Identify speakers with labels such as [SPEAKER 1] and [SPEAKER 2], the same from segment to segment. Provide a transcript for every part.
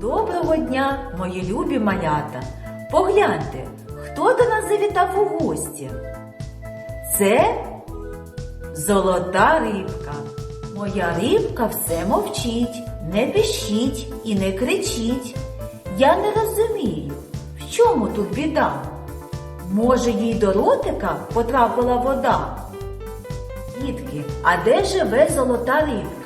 [SPEAKER 1] Доброго дня, мої любі малята! Погляньте, хто до нас завітав у гості? Це золота рибка. Моя рибка все мовчить, не пищить і не кричить. Я не розумію, в чому тут біда? Може, їй до ротика потрапила вода? Дітки, а де живе золота рибка?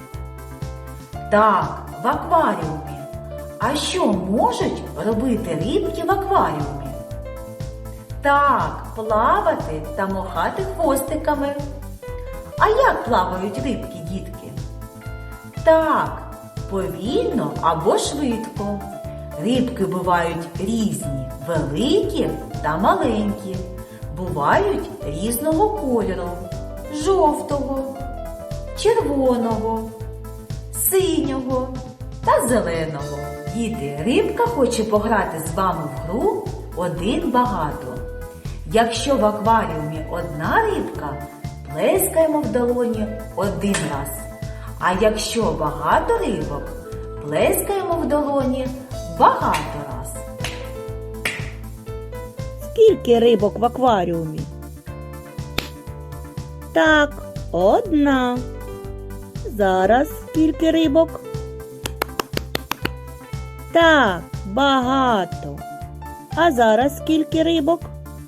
[SPEAKER 1] Так, в акваріумі. А що можуть робити рибки в акваріумі? Так, плавати та махати хвостиками. А як плавають рибки, дітки? Так, повільно або швидко. Рибки бувають різні, великі та маленькі. Бувають різного кольору – жовтого, червоного, синього та зеленого. Діти, рибка хоче пограти з вами в гру «Один багато». Якщо в акваріумі одна рибка, плескаємо в долоні один раз. А якщо багато рибок, плескаємо в долоні багато раз.
[SPEAKER 2] Скільки рибок в акваріумі? Так, одна. Зараз скільки рибок? Так, багато. А зараз скільки рибок?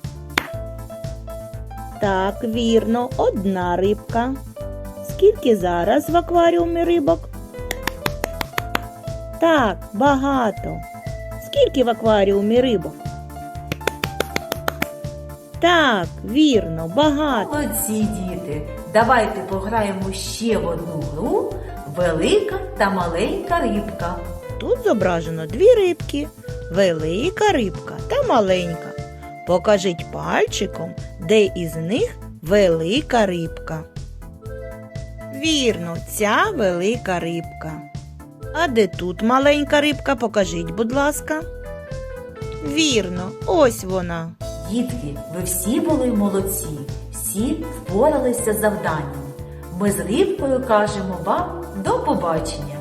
[SPEAKER 2] Так, вірно, одна рибка. Скільки зараз в акваріумі рибок? Так, багато. Скільки в акваріумі рибок? Так, вірно, багато.
[SPEAKER 1] Молодці, діти! Давайте пограємо ще в одну гру «Велика та маленька рибка».
[SPEAKER 2] Тут зображено дві рибки. Велика рибка та маленька. Покажіть пальчиком, де із них велика рибка. Вірно, ця велика рибка. А де тут маленька рибка? Покажіть, будь ласка. Вірно, ось вона.
[SPEAKER 1] Дітки, ви всі були молодці, всі впоралися з завданням. Ми з рибкою кажемо вам до побачення.